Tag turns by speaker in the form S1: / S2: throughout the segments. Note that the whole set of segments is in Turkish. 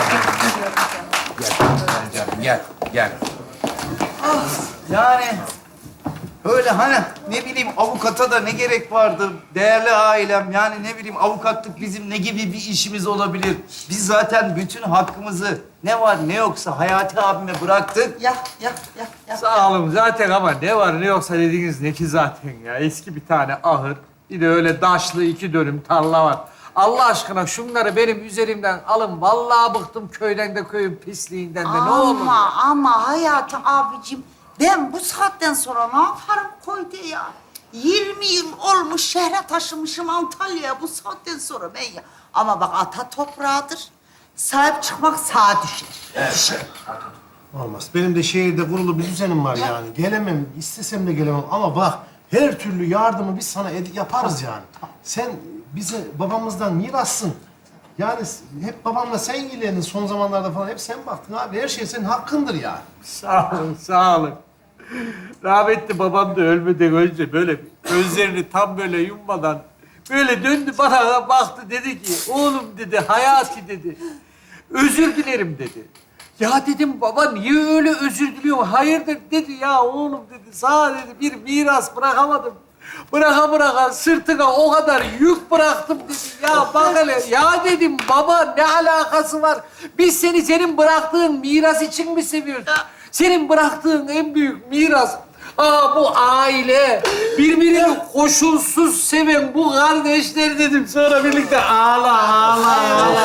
S1: Gel. Yani öyle hani ne bileyim avukata da ne gerek vardı değerli ailem. Yani ne bileyim avukatlık bizim ne gibi bir işimiz olabilir? Biz zaten bütün hakkımızı ne var ne yoksa Hayati abime bıraktık.
S2: Ya.
S3: Sağ olun zaten ama ne var ne yoksa dediğiniz ne ki zaten ya. Eski bir tane ahır, bir de öyle daşlı 2 dönüm tarla var. Allah aşkına şunları benim üzerimden alın. Vallahi bıktım köyden de köyün pisliğinden de ne olur.
S2: Ama Hayati abicim ben bu saatten sonra ne yaparım köyde ya? 20 yıl olmuş şehre taşımışım Antalya'ya bu saatten sonra ben ya. Ama bak ata toprağıdır. Sahip çıkmak sağa düşer.
S4: Olmaz. Benim de şehirde kurulu bir düzenim var yani. Gelemem, istesem de gelemem. Ama bak her türlü yardımı biz sana yaparız yani. Sen bize babamızdan mirassın. Yani hep babamla sen ilgilendin son zamanlarda falan. Hep sen baktın abi. Her şey senin hakkındır yani.
S3: Sağ olun, sağ olun. Rahmetli babam da ölmeden önce böyle gözlerini tam böyle yummadan böyle döndü bana baktı dedi ki oğlum dedi Hayati dedi özür dilerim dedi. Ya dedim baba niye öyle özür diliyorsun? Hayırdır dedi ya oğlum dedi sana dedi bir miras bırakamadım. Bıraka sırtına o kadar yük bıraktım dedi. Ya bak hele ya dedim baba ne alakası var? Biz seni senin bıraktığın miras için mi seviyoruz? Senin bıraktığın en büyük miras bu aile. Birbirini koşulsuz seven bu kardeşler dedim. Sonra birlikte ağla.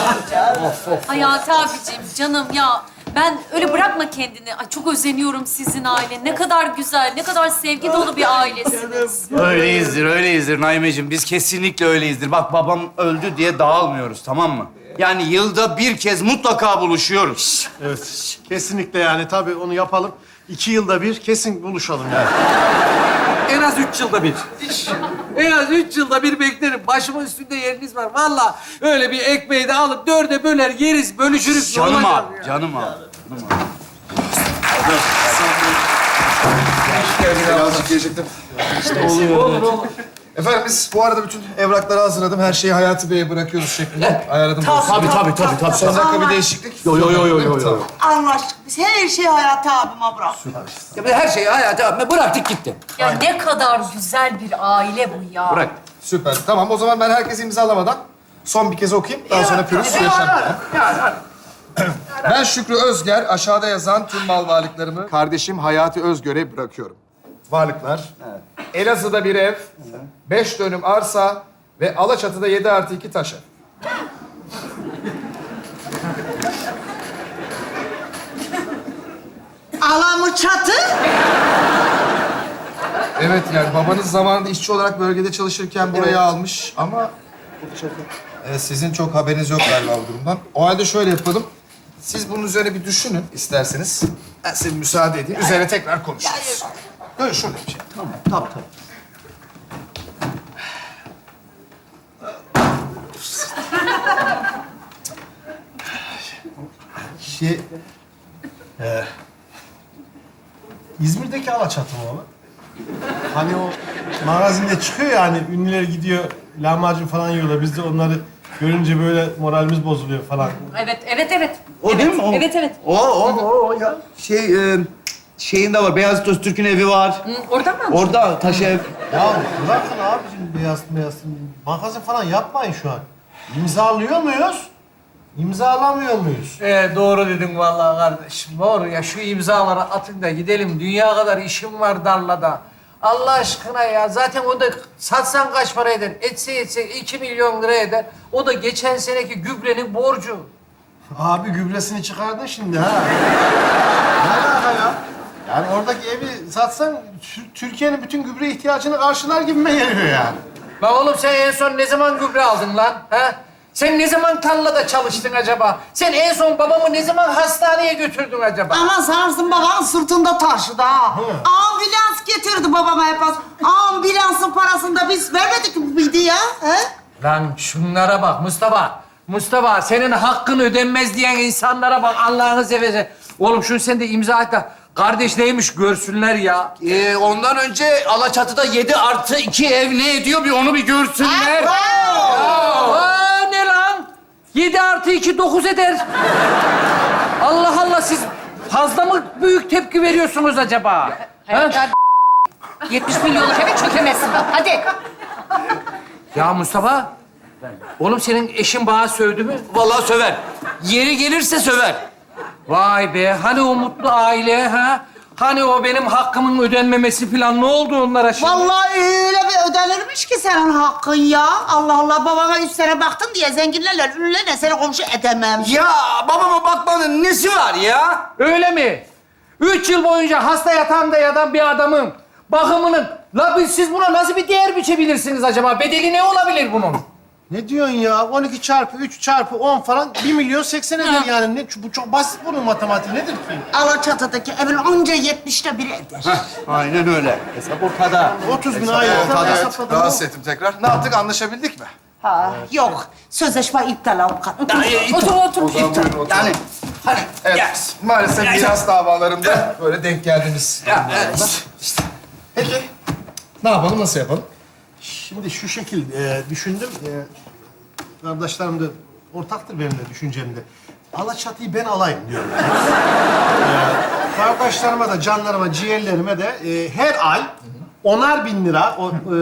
S5: Hayati abicim, canım ya. Ben öyle bırakma kendini. Ay çok özeniyorum sizin aile. Ne kadar güzel, ne kadar sevgi dolu bir ailesiniz.
S1: Öyleyizdir Naimeciğim. Biz kesinlikle öyleyizdir. Bak babam öldü diye dağılmıyoruz tamam mı? Yani yılda bir kez mutlaka buluşuyoruz.
S4: Evet. Kesinlikle yani. Tabii onu yapalım. 2 yılda bir kesin buluşalım yani.
S3: En az 3 yılda bir. En az 3 yılda bir beklerim. Başımın üstünde yeriniz var. Vallahi öyle bir ekmeği de alıp 4'e böler yeriz, bölüşürüz. Ne
S1: Canım
S3: olacak
S1: abi,
S3: ya?
S1: canım abi.
S6: Birazcık gelecektim.
S3: Olur.
S6: Efendim biz bu arada bütün evrakları hazırladım. Her şeyi Hayati Bey'e bırakıyoruz şeklinde. Ayarladım.
S1: Tabii.
S6: Son dakika bir değişiklik.
S1: Yo.
S6: Tamam.
S2: Anlaştık. Biz her şeyi Hayati abime bıraktık.
S1: Ya biz her şeyi Hayati abime bıraktık gitti.
S5: Ya ne kadar güzel bir aile bu ya.
S1: Bırak.
S6: Süper. Tamam o zaman ben herkesi imzalamadan son bir kez okuyayım. Daha sonra pürüz yaşam. Ben Şükrü Özger aşağıda yazan tüm mal varlıklarımı kardeşim Hayati Özgör'e bırakıyorum. Varlıklar. Elazığ'da bir ev, 5 dönüm arsa ve Alaçatı'da 7+2 taş ev.
S2: Alamı çatı.
S6: Evet yani babanız zamanında işçi olarak bölgede çalışırken burayı almış ama... sizin çok haberiniz yok galiba bu durumdan. O halde şöyle yapalım. Siz bunun üzerine bir düşünün isterseniz. Ben size müsaade edeyim. Üzerine tekrar konuşuruz. Böyle şöyle bir şey.
S1: Tabii.
S4: İzmir'deki Alaçatı mı o? Hani o magazinde çıkıyor yani ünlüler gidiyor lahmacun falan yiyorlar. Biz de onları görünce böyle moralimiz bozuluyor falan.
S5: Evet.
S1: O değil mi? O.
S5: Evet.
S1: O ya. Şeyin de var. Beyazıt Öztürk'ün evi var.
S5: Oradan mı?
S1: Orada taş ev.
S4: Ya bırakın abicim beyaz. Magazin falan yapmayın şu an. İmzalıyor muyuz? İmzalamıyor muyuz?
S3: Doğru dedin vallahi kardeşim. Doğru ya şu imzaları atın da gidelim. Dünya kadar işim var tarlada. Allah aşkına ya. Zaten o da satsan kaç para eder? Etse 2 milyon lira eder. O da geçen seneki gübrenin borcu.
S4: Abi gübresini çıkardın şimdi ha. Ne alaka ya? Yani oradaki evi satsan Türkiye'nin bütün gübre ihtiyacını karşılar gibime geliyor yani.
S3: Lan oğlum sen en son ne zaman gübre aldın lan? Ha? Sen ne zaman tarlada çalıştın acaba? Sen en son babamı ne zaman hastaneye götürdün acaba?
S2: Ama Sarsın baban sırtında taşıdı ha. Ambulans getirdi babama hep az. Ambulansın parasını da biz vermedik miydi ya? He?
S3: Lan şunlara bak Mustafa. Mustafa senin hakkın ödenmez diyen insanlara bak Allah'ını seversen. Oğlum şunu sen de imza et de kardeş neymiş görsünler ya.
S1: Ondan önce Alaçatı'da 7+2 ev ne ediyor bir onu bir görsünler.
S3: Aa, ne lan?
S7: 7 artı 2 9 eder. Allah Allah, siz fazla mı büyük tepki veriyorsunuz acaba? Ha?
S5: Hayatta 70 milyonluk eve çökemezsin. Hadi.
S7: Ya Mustafa, oğlum senin eşin bana sövdü mü?
S1: Vallahi söver. Yeri gelirse söver.
S7: Vay be, hani o mutlu aile ha? Hani o benim hakkımın ödenmemesi falan, ne oldu onlara şimdi?
S2: Vallahi öyle bir ödenirmiş ki senin hakkın ya. Allah Allah, babama 3 sene baktın diye zenginlerle, ünlülerle seni komşu edemem.
S1: Ya babama bakmanın nesi var ya?
S7: Öyle mi? 3 yıl boyunca hasta yatağında yatan bir adamın bakımının... La siz buna nasıl bir değer biçebilirsiniz acaba? Bedeli ne olabilir bunun?
S4: Ne diyorsun ya? 12 çarpı 3 çarpı 10 falan 1.080.000 eder yani. Ne, bu çok basit bunun matematiği nedir ki?
S2: Alaçatı'daki evin anca 70'te biri eder.
S1: Aynen öyle. Hesap ortada.
S4: 30.000 aylık
S6: Ortada, evet.
S4: hesapladım.
S6: Rahatsız ettim tekrar. Ne yaptık? Anlaşabildik mi?
S2: Ha, yok. Sözleşme iptal avukat.
S5: Otur otur.
S6: O zaman buyurun oturun.
S1: Yani hani
S6: Evet, maalesef miras davalarında böyle denk geldiğimiz durumlar. Peki, ne yapalım, nasıl yapalım?
S4: Şimdi şu şekil düşündüm. Kardeşlerim de ortaktır benimle düşüncemde. Alaçatı'yı ben alayım diyorum. Kardeşlerime de, canlarıma, ciğerlerime de her ay 10'ar bin lira,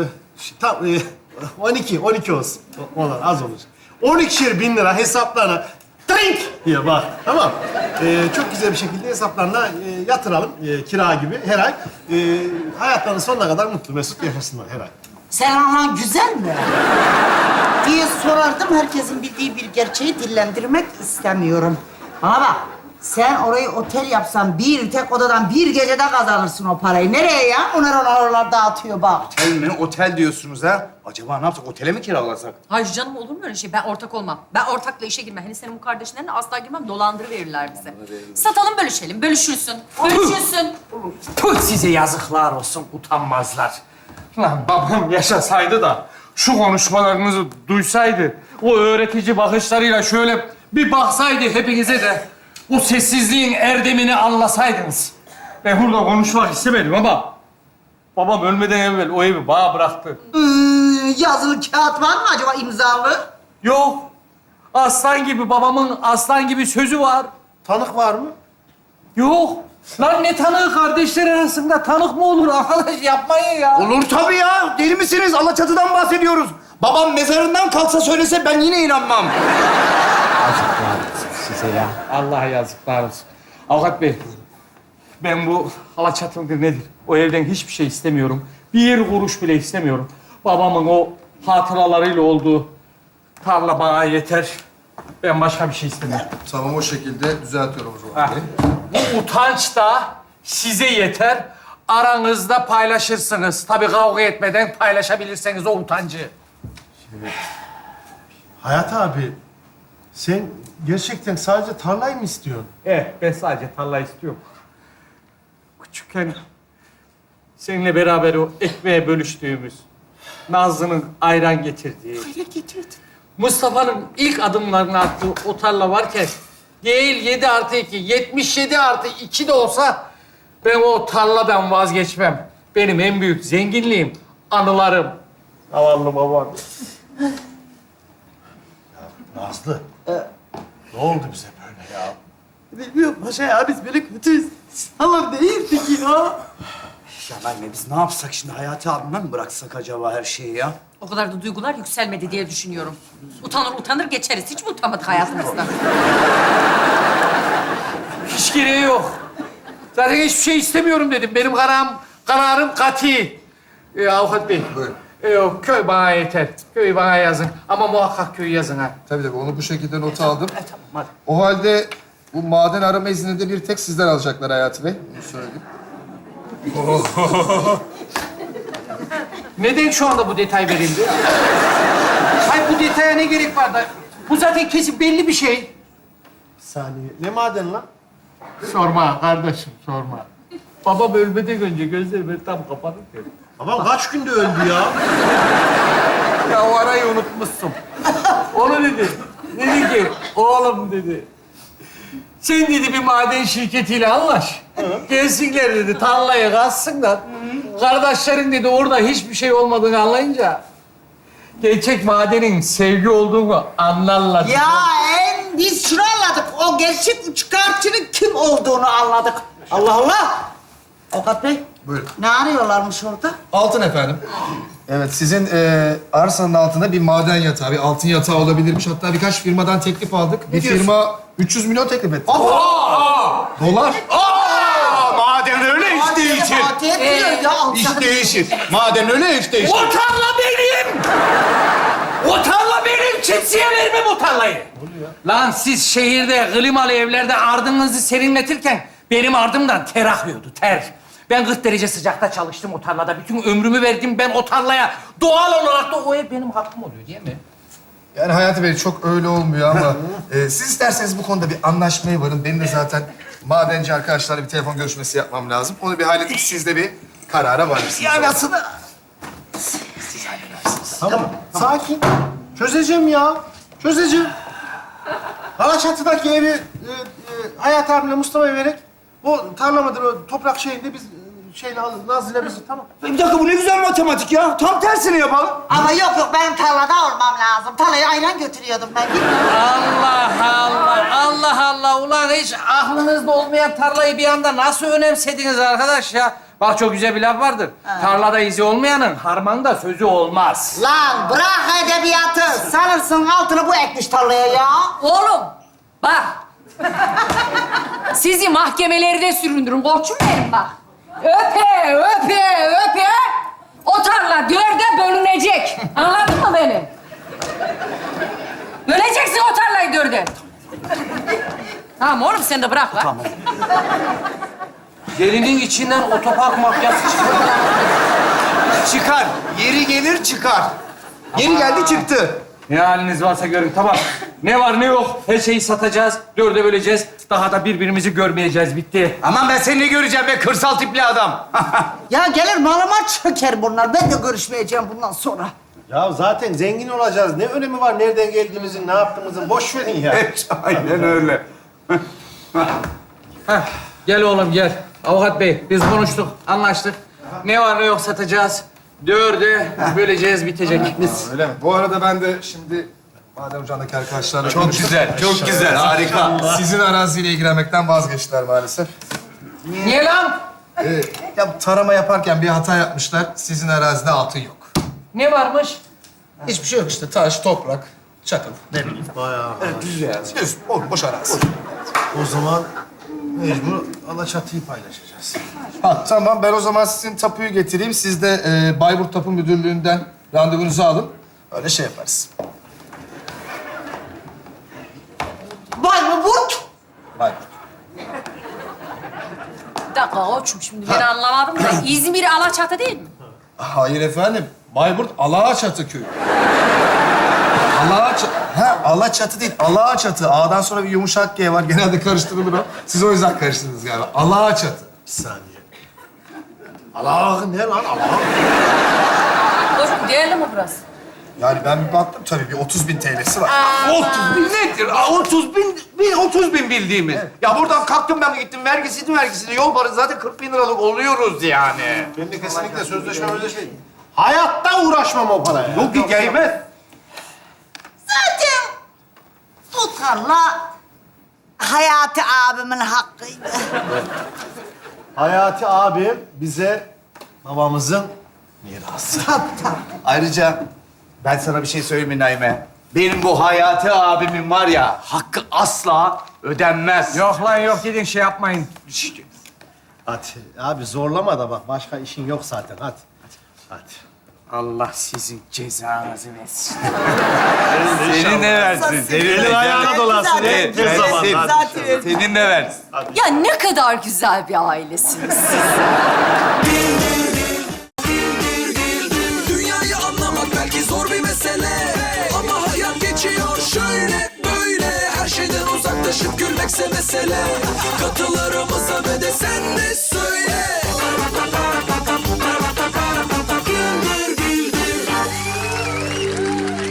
S4: 12 olsun. Onlar az olur. 12'şer bin lira hesaplarına trink diye bak, tamam. Çok güzel bir şekilde hesaplarına yatıralım kira gibi her ay. Hayatlarının sonuna kadar mutlu mesut yaşasınlar her ay.
S2: Sen anan güzel mi? diye sorardım. Herkesin bildiği bir gerçeği dillendirmek istemiyorum. Bana bak, sen orayı otel yapsan bir tek odadan bir gecede kazanırsın o parayı. Nereye ya? Oralar dağıtıyor bak.
S1: otel mi? Otel diyorsunuz ha? Acaba ne yapsak? Otele mi kiralasak?
S5: Hayır canım, olur mu öyle şey? Ben ortak olmam. Ben ortakla işe girmem. Hani senin bu kardeşlerine asla girmem. Dolandırıverirler bize. Satalım, bölüşelim. Bölüşülsün. Bölüşülsün.
S7: Tüh, size yazıklar olsun, utanmazlar. Lan babam yaşasaydı da şu konuşmalarınızı duysaydı, o öğretici bakışlarıyla şöyle bir baksaydı hepinize de o sessizliğin erdemini anlasaydınız. Ben burada konuşmak istemedim ama babam ölmeden evvel o evi bana bıraktı.
S2: Yazılı kağıt var mı acaba, imzalı?
S7: Yok, aslan gibi babamın aslan gibi sözü var.
S4: Tanık var mı?
S7: Yok. Lan ne tanığı, kardeşler arasında tanık mı olur arkadaş, yapmayın ya.
S1: Olur tabii ya. Deli misiniz? Alaçatı'dan bahsediyoruz. Babam mezarından kalksa söylese ben yine inanmam.
S7: Size ya. Allah yazıklar olsun. Avukat Bey, ben bu Alaçatı'ndır nedir? O evden hiçbir şey istemiyorum. Bir kuruş bile istemiyorum. Babamın o hatıralarıyla olduğu tarla bana yeter. Ben başka bir şey istemiyorum.
S6: Tamam, o şekilde düzeltiyorum o zaman.
S7: Ha. Bu utanç da size yeter. Aranızda paylaşırsınız. Tabii kavga etmeden paylaşabilirseniz o utancı.
S4: Hayat abi, sen gerçekten sadece tarlayı mı istiyorsun?
S7: Evet, ben sadece tarla istiyorum. Küçükken seninle beraber o ekmeğe bölüştüğümüz, Nazlı'nın ayran getirdiği, Mustafa'nın ilk adımlarını attığı o tarla varken değil 7 artı 2, 77 artı 2 de olsa ben o tarladan vazgeçmem. Benim en büyük zenginliğim anılarım. Zavallı babam.
S4: Nazlı. Ne oldu bize böyle ya?
S2: Bilmiyorum paşa ya, biz böyle kötüyüz. Tamam değildik ya.
S1: Ya anne biz ne yapsak şimdi? Hayati abime mi bıraksak acaba her şeyi ya?
S5: O kadar da duygular yükselmedi diye düşünüyorum. Utanır utanır geçeriz. Hiç mi utanmadık hayatımızda?
S7: Hiç gereği yok. Zaten hiçbir şey istemiyorum dedim. Benim kararım kati. Avukat Bey.
S6: Buyurun.
S7: Yok, köy bana yeter. Köyü bana yazın. Ama muhakkak köyü yazın ha.
S6: Tabii onu bu şekilde not aldım.
S7: Tamam, hadi.
S6: O halde bu maden arama iznini de bir tek sizden alacaklar Hayati Bey. Bunu söyleyeyim.
S7: Neden şu anda bu detay verildi? Hayır, bu detaya ne gerek var da? Bu zaten kesin belli bir şey.
S4: Bir saniye. Ne maden lan?
S7: Sorma kardeşim, sorma. Babam ölmeden önce gözlerimi tam kapatıp dedi.
S4: Babam kaç günde öldü ya?
S7: Ya o arayı unutmuşsun. Onu dedi. Dedi ki, oğlum dedi. Sen dedi bir maden şirketiyle anlaş. Gelsinler dedi, tarlayı kazsınlar. Kardeşlerin dedi orada hiçbir şey olmadığını anlayınca gerçek madenin sevgi olduğunu anlarlar.
S2: Ya biz şunu anladık. O gerçek üçkağıtçının kim olduğunu anladık. Allah Allah. Avukat Bey.
S6: Buyurun.
S2: Ne arıyorlarmış orada?
S6: Altın efendim. Evet, sizin arsanın altında bir maden yatağı, bir altın yatağı olabilirmiş. Hatta birkaç firmadan teklif aldık. Bir firma 300 milyon teklif etti. Dolar.
S1: Maden öyle iş değişir.
S2: Fatih etmiyor ya.
S1: İş değişir. Maden öyle iş değişir.
S7: O tarla benim! O tarla benim! Kimseye vermem o tarlayı. Lan siz şehirde klimalı evlerde ardınızı serinletirken benim ardımdan ter akıyordu, ter. Ben 40 derece sıcakta çalıştım o tarlada. Bütün ömrümü verdim ben o tarlaya. Doğal olarak da o ev benim hakkım oluyor değil mi?
S6: Yani Hayati Bey çok öyle olmuyor ama siz isterseniz bu konuda bir anlaşmaya varın. Benim de zaten madenci arkadaşlarla bir telefon görüşmesi yapmam lazım. Onu bir halledip siz de bir karara varırsınız.
S1: Ya nasıl?
S4: Tamam. Sakin. Çözeceğim ya. Çözeceğim. Alaçatı'daki evi Hayat abimle Mustafa'ya vererek o tarla mıdır o toprak şeyinde biz şeyle alırız. Nazlı'yla bizi tamam.
S1: Bir dakika bu ne güzel matematik ya. Tam tersini yapalım.
S2: Ama yok benim tarlada olmam lazım. Tarlaya ayran götürüyordum ben.
S7: Allah Allah, Allah Allah. Ulan hiç aklınızda olmayan tarlayı bir anda nasıl önemsediniz arkadaş ya? Bak çok güzel bir laf vardır. Tarlada izi olmayanın harmanda sözü olmaz.
S2: Lan bırak edebiyatı. Sanırsın altını bu ekmiş tarlaya ya.
S5: Oğlum bak. Sizi mahkemelerde süründürün koçum benim bak. Öpe, öpe, öpe. O tarla 4'e bölünecek. Anladın mı beni? Böleceksin o tarlayı 4'e. Tamam oğlum sen de bırak lan. Tamam.
S7: Gelinin içinden otopark mafyası çıkıyor.
S1: Çıkar. Yeri gelir çıkar. Yeri geldi çıktı.
S7: Ne haliniz varsa görün tamam. Ne var ne yok her şeyi satacağız. 4'e böleceğiz. Daha da birbirimizi görmeyeceğiz. Bitti.
S1: Aman ben seni ne göreceğim be kırsal tipli adam.
S2: Ya gelir malıma çöker bunlar. Ben de görüşmeyeceğim bundan sonra.
S4: Ya zaten zengin olacağız. Ne önemi var nereden geldiğimizin, ne yaptığımızın? Boş verin ya.
S1: Aynen öyle.
S7: Heh, gel oğlum gel. Avukat bey biz konuştuk, anlaştık. Ne var ne yok satacağız. 4'e böleceğiz, bitecek.
S6: Öyle mi? Bu arada ben de şimdi maden ocağındaki arkadaşlarla
S1: Çok
S6: konuştum.
S1: güzel, çok güzel, harika.
S6: Sizin araziyle ilgilenmekten vazgeçtiler maalesef.
S7: Niye lan?
S6: Ya tarama yaparken bir hata yapmışlar. Sizin arazide altın yok.
S7: Ne varmış?
S6: Hiçbir şey yok işte. Taş, toprak, çakıl. Ne bileyim.
S4: Bayağı.
S6: Düz, boş arazi.
S4: O zaman mecbur Alaçatı'yı paylaşacağız.
S6: Ha, tamam. Ben o zaman sizin tapuyu getireyim. Siz de Bayburt Tapu Müdürlüğü'nden randevunuzu alın. Öyle şey yaparız.
S2: Bayburt.
S6: Bayburt.
S5: Bir dakika koçum şimdi ben anlamadım da İzmir Alaçatı değil mi?
S6: Hayır efendim. Bayburt Alaçatı köyü. Alaçatı değil, Alaçatı. A'dan sonra bir yumuşak G var. Genelde karıştırılır o. Siz o yüzden karıştırdınız galiba. Alaçatı.
S4: Bir saniye. Allah ne lan Allah?
S5: Koçum değerli mi burası?
S6: Yani ben bir baktım tabii bir 30.000 TL'si var.
S1: 30 bin nedir? 30 bin bildiğimiz. Ya buradan kalktım ben gittim vergisini yol parası zaten 40 bin liralık oluyoruz yani.
S4: Ben de kesinlikle sözleşme. Hayatta uğraşmam o paraya.
S1: Yok ki gelmez.
S2: Zaten bu tarla Hayati abimin hakkıydı.
S4: Hayati abim bize babamızın mirası.
S1: Ayrıca ben sana bir şey söyleyeyim mi Naime? Benim bu Hayati abimin var ya hakkı asla ödenmez.
S7: Yok lan yok gidin şey yapmayın.
S4: Hadi abi zorlama da bak başka işin yok zaten hadi. Hadi.
S7: Allah sizin cezanızı versin.
S1: Senin de versin. Senin de
S4: ayağına dolasın.
S1: Evet,
S4: Tez
S1: versin.
S4: zamanda.
S2: Zaten
S1: Senin de versin.
S5: Ya ne kadar güzel bir ailesiniz siz.
S8: Dünyayı anlamak belki zor bir mesele, ama hayat geçiyor şöyle böyle. Her şeyden uzaklaşıp gülmekse mesele. Katılarımıza ve de sen de söyle.